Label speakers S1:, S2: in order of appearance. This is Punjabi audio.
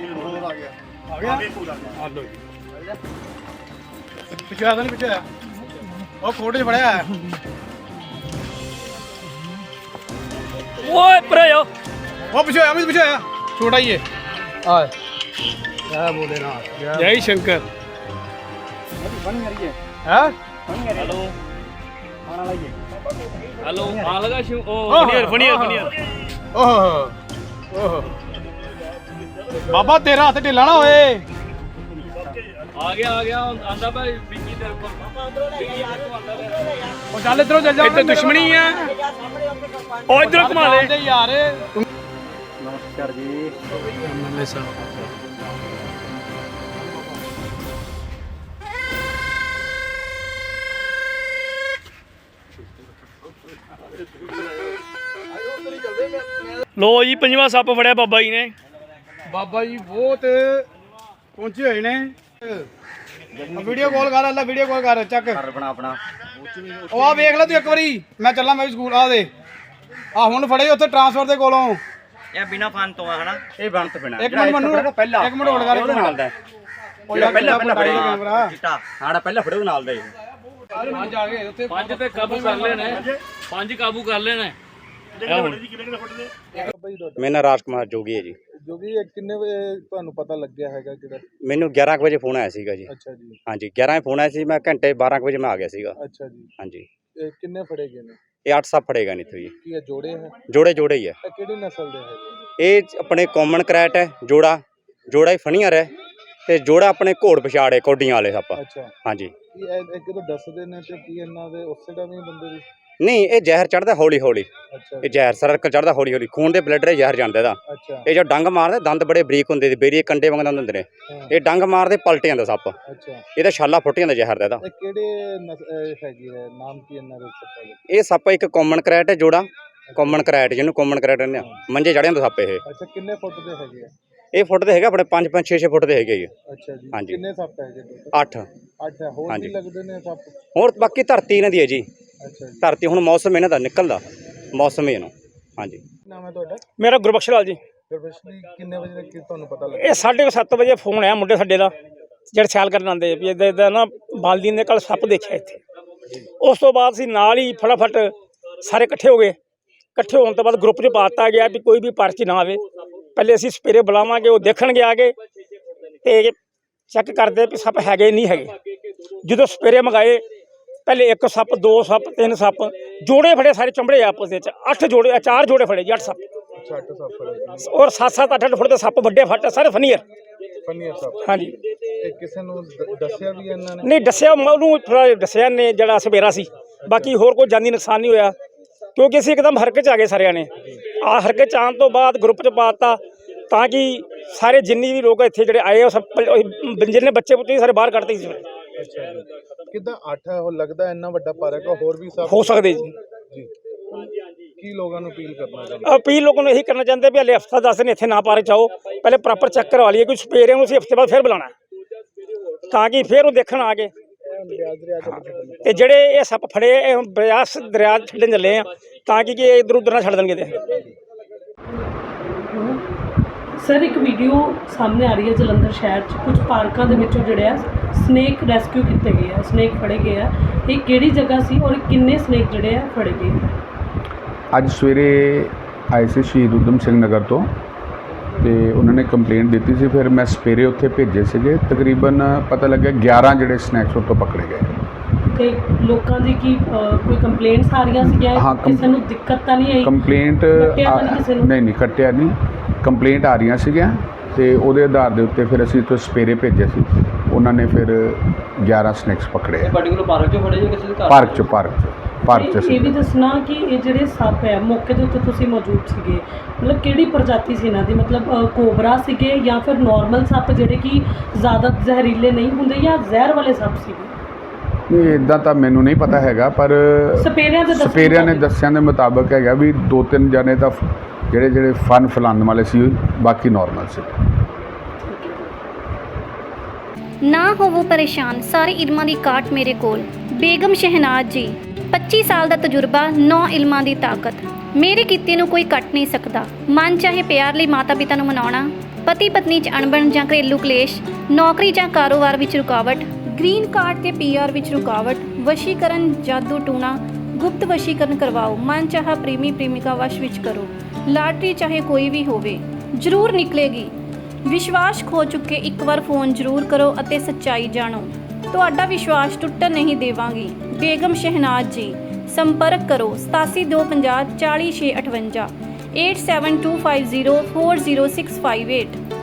S1: ਪਿੱਛੇ ਆ ਪਿੱਛੇ ਆ ਉਹ ਕੋਟ 'ਚ ਫੜਿਆ
S2: ਓਏ ਪਰੇ ਹੋ
S1: ਉਹ ਪਿੱਛੇ ਆ ਪਿੱਛੇ ਆ ਛੋਟਾ ਹੀ ਹੈ ਆ क्या बोले ना
S2: जय शंकर
S1: हाँ
S2: हेलो हेलो आ लगा शिव ओ फनियर
S1: ओह ओह बाबा तेरा हाथ ढिला ना होए
S2: आ गया आंदा भाई बिक्की तेरे को
S1: ओ चल इधरों चल जा
S2: इधर दुश्मनी है ओ इधर घुमा ले
S1: यार
S3: नमस्कार जी
S2: लो जी पंजवा सप फड़िया बाबा जी ने
S1: बाबा जी बहुत पहुंचे हुए ने वीडियो कॉल कर अल्लाह वीडियो कॉल कर चक
S3: अपना अपना
S1: ਉਹ ਆ ਵੇਖ ਲੈ ਤੂੰ ਇੱਕ ਵਾਰੀ ਮੈਂ ਚੱਲਾਂ ਮੈਂ ਵੀ ਸਕੂਲ ਆ ਦੇ ਆ ਹੁਣ ਫੜੇ ਉੱਥੇ ਟਰਾਂਸਫਰ ਦੇ ਕੋਲੋਂ
S3: ਇਹ ਬਿਨਾ ਫਨ ਤੋਂ ਆ ਹਨਾ ਇਹ ਬੰਤ ਬਿਨਾ
S1: ਇੱਕ ਮਿੰਟ ਮੈਨੂੰ
S3: ਪਹਿਲਾਂ
S1: ਇੱਕ ਮਿੰਟ ਹੋਲਡ ਕਰ
S3: ਉਹਦੇ ਨਾਲ ਦਾ
S1: ਉਹ ਯਾਰ
S3: ਪਹਿਲਾਂ ਫੜਿਆ
S1: ਕੈਮਰਾ
S3: ਚਿੱਟਾ ਹਾੜਾ ਪਹਿਲਾਂ ਫੜਿਓ ਨਾਲ ਦਾ ਹੀ
S1: ਪੰਜ ਆ ਗਏ ਉੱਥੇ
S2: ਪੰਜ ਤੇ ਕਾਬੂ ਕਰ ਲੈਣੇ ਪੰਜ ਕਾਬੂ ਕਰ ਲੈਣੇ
S3: ਮੇਰਾ ਨਾਮ ਰਾਜ ਕੁਮਾਰ ਜੋਗੀ ਹੈ ਜੀ
S1: ਜੋਗੀ ਕਿੰਨੇ ਵਜੇ ਤੁਹਾਨੂੰ ਪਤਾ ਲੱਗਿਆ ਹੈਗਾ ਕਿਹੜਾ
S3: ਮੈਨੂੰ 11 ਵਜੇ ਫੋਨ ਆਇਆ ਸੀਗਾ ਜੀ
S1: ਅੱਛਾ ਜੀ
S3: ਹਾਂਜੀ 11 ਵਜੇ ਫੋਨ ਆਇਆ ਸੀ ਮੈਂ ਘੰਟੇ 12 ਵਜੇ ਮੈਂ ਆ ਗਿਆ ਸੀਗਾ
S1: ਅੱਛਾ ਜੀ
S3: ਹਾਂਜੀ
S1: ਇਹ ਕਿੰਨੇ ਫੜੇ ਗਏ ਨੇ
S3: ਇਹ 8 ਸੱਪ ਫੜੇਗਾ ਨਹੀਂ ਇੱਥੋਂ ਜੀ
S1: ਕੀ ਇਹ ਜੋੜੇ ਹੈ
S3: ਜੋੜੇ ਹੀ ਹੈ
S1: ਇਹ ਕਿਹੜੀ ਨਸਲ ਦੇ ਹੈਗੇ
S3: ਇਹ ਆਪਣੇ ਕਾਮਨ ਕਰੈਟ ਹੈ ਜੋੜਾ ਹੀ ਫਣੀਅਰ ਹੈ ਤੇ ਜੋੜਾ ਆਪਣੇ ਘੋੜ ਪਛਾੜੇ ਕੋਡੀਆਂ ਵਾਲੇ ਸੱਪ
S1: ਅੱਛਾ
S3: ਹਾਂਜੀ
S1: ਕੀ ਇਹ ਕਿਦੋਂ ਦੱਸਦੇ ਨੇ ਤੇ ਕੀ ਇਹਨਾਂ ਦੇ ਉਸੇ ਦਾ ਵੀ ਬੰਦੇ ਦੀ
S3: ਨਹੀਂ ਇਹ ਜ਼ਹਿਰ ਚੜਦਾ ਹੌਲੀ
S1: ਅੱਛਾ
S3: ਇਹ ਜ਼ਹਿਰ ਸਰਕਲ ਚੜਦਾ ਹੌਲੀ ਖੂਨ ਦੇ ਬਲੱਡ ਦੇ ਜ਼ਹਿਰ ਜਾਂਦਾ ਇਹਦਾ
S1: ਅੱਛਾ
S3: ਇਹ ਜੋ ਡੰਗ ਮਾਰਦੇ ਦੰਦ ਬੜੇ ਬਰੀਕ ਹੁੰਦੇ ਨੇ ਬੇਰੀਏ ਕੰਡੇ ਵਾਂਗ ਦੰਦ ਹੁੰਦੇ ਨੇ ਇਹ ਡੰਗ ਮਾਰਦੇ ਪਲਟ ਜਾਂਦਾ ਸੱਪ
S1: ਅੱਛਾ
S3: ਇਹਦਾ ਛਾਲਾ ਫੁੱਟ ਜਾਂਦਾ ਜ਼ਹਿਰ ਦਾ ਇਹਦਾ
S1: ਇਹ ਕਿਹੜੇ ਹੈਗੀ ਹੈ ਨਾਮ ਕੀ ਇਹਨਾਂ ਦੇ ਸੱਪਾਂ ਦੇ
S3: ਇਹ ਸੱਪ ਇੱਕ ਕਾਮਨ ਕਰੈਟ ਹੈ ਜੋੜਾ ਕਾਮਨ ਕਰੈਟ ਜਿਹਨੂੰ ਕਾਮਨ ਕਰੈਟ ਕਹਿੰਦੇ ਆ ਮੰਜੇ ਚੜ੍ਹ ਜਾਂਦਾ ਸੱਪ ਇਹ
S1: ਅੱਛਾ ਕਿੰਨੇ ਫੁੱਟ ਦੇ ਹੈਗੇ ਆ
S3: ਇਹ ਫੁੱਟ ਦੇ ਹੈਗਾ ਆਪਣੇ 5 6 ਫੁੱਟ ਦੇ ਹੈਗੇ ਜੀ
S1: ਅੱਛਾ ਜੀ
S3: ਹਾਂਜੀ।
S1: ਕਿੰਨੇ ਸੱਪ ਹੈਗੇ
S3: 8
S1: ਅੱਛਾ ਹੋਰ
S3: ਹਾਂਜੀ।
S1: ਵੀ ਲੱਗਦੇ ਨੇ ਸੱਪ
S3: ਹੋਰ ਬਾਕੀ ਧਰਤੀ ਇਹਨਾਂ ਦੀ ਹੈ ਜੀ
S1: ਅੱਛਾ ਜੀ
S3: ਧਰਤੀ ਹੁਣ ਮੌਸਮ ਇਹਨਾਂ ਦਾ ਨਿਕਲਦਾ ਮੌਸਮ ਹੀ ਇਹਨੂੰ ਹਾਂਜੀ
S1: ਨਾਮ ਹੈ ਤੁਹਾਡਾ
S2: ਮੇਰਾ ਗੁਰਬਖਸ਼ ਲਾਲ ਜੀ
S1: ਗੁਰਬਖਸ਼ ਕਿੰਨੇ ਵਜੇ ਤੱਕ ਤੁਹਾਨੂੰ ਪਤਾ ਲੱਗਾ
S2: ਇਹ 7:30 ਵਜੇ ਫੋਨ ਆਇਆ ਮੁੰਡੇ ਸਾਡੇ ਦਾ ਜਿਹੜੇ ਸੈਲ ਕਰਨ ਆਉਂਦੇ ਵੀ ਇਦਾਂ ਨਾ ਬਾਲਦੀ ਨੇ ਕੱਲ ਸੱਪ ਦੇਖਿਆ ਇੱਥੇ ਉਸ ਤੋਂ ਬਾਅਦ ਅਸੀਂ ਨਾਲ ਹੀ ਫਟਾਫਟ ਸਾਰੇ ਇਕੱਠੇ ਹੋ ਗਏ ਇਕੱਠੇ ਹੋਣ ਤੋਂ ਬਾਅਦ ਗਰੁੱਪ 'ਚ ਪਾ ਦਿੱਤਾ ਗਿਆ ਵੀ ਕੋਈ ਵੀ ਪਰਚੀ ਨਾ ਆਵੇ ਪਹਿਲੇ ਅਸੀਂ ਸਪੇਰੇ ਬੁਲਾਵਾਂਗੇ ਉਹ ਦੇਖਣਗੇ ਆ ਕੇ ਤੇ ਚੈੱਕ ਕਰਦੇ ਵੀ ਸੱਪ ਹੈਗੇ ਨਹੀਂ ਹੈਗੇ ਜਦੋਂ ਸਪੇਰੇ ਮੰਗਾਏ ਪਹਿਲੇ 1 ਸੱਪ 2 ਸੱਪ 3 ਸੱਪ ਜੋੜੇ ਫੜੇ ਸਾਰੇ ਚੰਬੜੇ ਆਪਸ ਵਿੱਚ 8 ਜੋੜੇ 4 ਜੋੜੇ ਫੜੇ ਜੀ 8 ਸੱਪ
S1: ਅੱਛਾ 8 ਸੱਪ ਫੜੇ
S2: ਔਰ 7-7 8-8 ਫੁੱਟ ਦੇ ਸੱਪ ਵੱਡੇ ਫੱਟ ਸਾਰੇ ਫਨੀਅਰ
S1: ਫਨੀਅਰ ਸੱਪ
S2: ਹਾਂਜੀ
S1: ਇਹ ਕਿਸੇ ਨੂੰ ਦੱਸਿਆ ਵੀ ਇਹਨਾਂ ਨੇ
S2: ਨਹੀਂ ਦੱਸਿਆ ਉਹਨੂੰ ਥੋੜ੍ਹਾ ਦੱਸਿਆ ਨੇ ਜਿਹੜਾ ਸਵੇਰਾ ਸੀ ਬਾਕੀ ਹੋਰ ਕੋਈ ਜਾਨੀ ਨੁਕਸਾਨ ਨਹੀਂ ਹੋਇਆ ਕਿਉਂਕਿ ਅਸੀਂ ਇੱਕਦਮ ਹਰਕਤ 'ਚ ਆ ਗਏ ਸਾਰਿਆਂ ਨੇ ਆ ਹਰਕਤ 'ਚ ਆਉਣ ਤੋਂ ਬਾਅਦ ਗਰੁੱਪ 'ਚ ਪਾ ਦਿੱਤਾ ਤਾਂ ਕਿ ਸਾਰੇ ਜਿੰਨੇ ਵੀ ਲੋਕ ਇੱਥੇ ਜਿਹੜੇ ਆਏ ਉਹ ਸਭ ਜਿੰਨੇ ਬੱਚੇ ਪੁੱਤੇ ਸਾਰੇ ਬਾਹਰ ਕੱਢਤੇ ਸੀ
S1: ਅੱਛਾ ਜੀ ਕਿੱਦਾਂ 8 ਉਹ ਲੱਗਦਾ ਇੰਨਾ ਵੱਡਾ ਪਾਰਕ ਆ ਹੋਰ ਵੀ ਸੱਪ
S2: ਹੋ ਸਕਦੇ ਜੀ
S1: ਜੀ ਕੀ ਲੋਕਾਂ ਨੂੰ ਅਪੀਲ ਕਰਨਾ ਚਾਹੁੰਦੇ
S2: ਅਪੀਲ ਲੋਕਾਂ ਨੂੰ ਇਹੀ ਕਰਨਾ ਚਾਹੁੰਦੇ ਵੀ ਹਲੇ ਹਫ਼ਤਾ 10 ਦਿਨ ਇੱਥੇ ਨਾ ਪਾਰਕ 'ਚ ਆਓ ਪਹਿਲੇ ਪ੍ਰੋਪਰ ਚੈੱਕ ਕਰਵਾ ਲਈਏ ਕੋਈ ਸਪੇਰੇ ਨੂੰ ਅਸੀਂ ਹਫ਼ਤੇ ਬਾਅਦ ਫਿਰ ਬੁਲਾਉਣਾ ਤਾਂ ਕਿ ਫਿਰ ਉਹ ਦੇਖਣ ਆ ਕੇ ਤੇ ਜਿਹੜੇ ਇਹ ਸੱਪ ਫੜੇ ਇਹ ਹੁਣ ਬਿਆਸ ਦਰਿਆ ਛੱਡਣ ਚੱਲੇ ਆ ਤਾਂ ਕਿ ਇਹ ਇੱਧਰ ਉੱਧਰ ਨਾ ਛੱਡ ਦੇਣਗੇ ਤੇ
S4: ਸਰ ਇੱਕ ਵੀਡੀਓ ਸਾਹਮਣੇ ਆ ਰਹੀ ਹੈ ਜਲੰਧਰ ਸ਼ਹਿਰ 'ਚ ਕੁਝ ਪਾਰਕਾਂ ਦੇ ਵਿੱਚੋਂ ਜਿਹੜੇ ਆ ਸਨੇਕ ਰੈਸਕਿਊ ਕੀਤੇ ਗਏ ਆ ਸਨੇਕ ਫੜੇ ਗਏ ਆ ਇਹ ਕਿਹੜੀ ਜਗ੍ਹਾ ਸੀ ਔਰ ਕਿੰਨੇ ਸਨੇਕ ਜਿਹੜੇ ਆ ਫੜੇ ਗਏ
S5: ਅੱਜ ਸਵੇਰੇ ਆਏ ਸੀ ਸ਼ਹੀਦ ਊਧਮ ਸਿੰਘ ਨਗਰ ਤੋਂ ਤੇ ਉਹਨਾਂ ਨੇ ਕੰਪਲੇਂਟ ਦਿੱਤੀ ਸੀ ਫਿਰ ਮੈਂ ਸਵੇਰੇ ਉੱਥੇ ਭੇਜੇ ਸੀਗੇ ਤਕਰੀਬਨ ਪਤਾ ਲੱਗਿਆ 11 ਜਿਹੜੇ ਸਨੈਕਸ ਉੱਥੋਂ ਪਕੜੇ ਗਏ
S4: ਤੇ ਲੋਕਾਂ ਦੀ ਕੀ ਕੋਈ ਕੰਪਲੇਂਟਸ ਆ ਰਹੀਆਂ ਸੀਗੀਆਂ ਕਿਸੇ ਨੂੰ ਦਿੱਕਤ ਤਾਂ ਨਹੀਂ ਆਈ
S5: ਕੰਪਲੇਂਟ ਨਹੀਂ ਕੱਟਿਆ ਨਹੀਂ ਕੰਪਲੇਂਟ ਆ ਰਹੀਆਂ ਸੀਗੀਆਂ ਤੇ ਉਹਦੇ ਆਧਾਰ ਦੇ ਉੱਤੇ ਫਿਰ ਅਸੀਂ ਉੱਥੇ ਸਵੇਰੇ ਭੇਜੇ ਸੀ ਉਹਨਾਂ ਨੇ ਫਿਰ 11 ਸਨੈਕਸ ਪਕੜੇ ਆ
S2: ਪਾਰਟਿਕੂਲਰ ਪਾਰਕ 'ਚੋਂ ਫੜੇ ਜਾਂ ਕਿਸੇ ਦੇ ਘਰ
S5: ਪਾਰਕ 'ਚ
S4: ਇਹ ਵੀ ਦੱਸਣਾ ਕਿ ਇਹ ਜਿਹੜੇ ਸੱਪ ਹੈ ਮੌਕੇ ਦੇ ਉੱਤੇ ਤੁਸੀਂ ਮੌਜੂਦ ਸੀਗੇ ਮਤਲਬ ਕਿਹੜੀ ਪ੍ਰਜਾਤੀ ਸੀ ਇਹਨਾਂ ਦੀ ਮਤਲਬ ਕੋਬਰਾ ਸੀਗੇ ਜਾਂ ਫਿਰ ਨਾਰਮਲ ਸੱਪ ਜਿਹੜੇ ਕਿ ਜ਼ਿਆਦਾ ਜ਼ਹਿਰੀਲੇ ਨਹੀਂ ਹੁੰਦੇ ਜਾਂ ਜ਼ਹਿਰ ਵਾਲੇ ਸੱਪ ਸੀਗੇ
S5: ਨਹੀਂ ਇੱਦਾਂ ਤਾਂ ਮੈਨੂੰ ਨਹੀਂ ਪਤਾ ਹੈਗਾ ਪਰ ਸਪੇਰਿਆਂ ਨੇ ਦੱਸਿਆਂ ਦੇ ਮੁਤਾਬਕ ਹੈਗਾ ਵੀ 2-3 ਜਣੇ ਤਾਂ ਜਿਹੜੇ ਫਨ ਫਲਾਉਣ ਵਾਲੇ ਸੀ ਬਾਕੀ ਨਾਰਮਲ ਸੀ
S6: ਨਾ ਹੋਵੋ ਪਰੇਸ਼ਾਨ ਸਾਰੇ ਇਲਮਾਂ ਦੀ ਕਾਟ ਮੇਰੇ ਕੋਲ ਬੇਗਮ ਸ਼ਹਿਨਾਜ਼ ਜੀ 25 ਸਾਲ ਦਾ ਤਜਰਬਾ 9 ਇਲਮਾਂ ਦੀ ਤਾਕਤ ਮੇਰੇ ਕੀਤੇ ਨੂੰ ਕੋਈ ਕੱਟ ਨਹੀਂ ਸਕਦਾ ਮਨ ਚਾਹੇ ਪਿਆਰ ਲਈ ਮਾਤਾ ਪਿਤਾ ਨੂੰ ਮਨਾਉਣਾ ਪਤੀ ਪਤਨੀ 'ਚ ਅਣਬਣ ਜਾਂ ਘਰੇਲੂ ਕਲੇਸ਼, ਨੌਕਰੀ ਜਾਂ ਕਾਰੋਬਾਰ ਵਿੱਚ ਰੁਕਾਵਟ, ਗ੍ਰੀਨ ਕਾਰਡ ਤੇ ਪੀਆਰ ਵਿੱਚ ਰੁਕਾਵਟ, ਵਸ਼ੀਕਰਨ, ਜਾਦੂ ਟੂਣਾ, ਗੁਪਤ ਵਸ਼ੀਕਰਨ ਕਰਵਾਓ, ਮਨ ਚਾਹਾ ਪ੍ਰੇਮੀ ਪ੍ਰੇਮਿਕਾ ਵਸ਼ ਵਿੱਚ ਕਰੋ, ਲਾਟਰੀ ਚਾਹੇ ਕੋਈ ਵੀ ਹੋਵੇ ਜ਼ਰੂਰ ਨਿਕਲੇਗੀ। ਵਿਸ਼ਵਾਸ ਖੋ ਚੁੱਕੇ ਇੱਕ ਵਾਰ ਫੋਨ ਜ਼ਰੂਰ ਕਰੋ ਅਤੇ ਸੱਚਾਈ ਜਾਣੋ। ਤੁਹਾਡਾ ਵਿਸ਼ਵਾਸ ਟੁੱਟਣ ਨਹੀਂ ਦੇਵਾਂਗੀ। ਬੇਗਮ ਸ਼ਹਿਨਾਜ਼ ਜੀ। ਸੰਪਰਕ ਕਰੋ 8725040658 8725040658।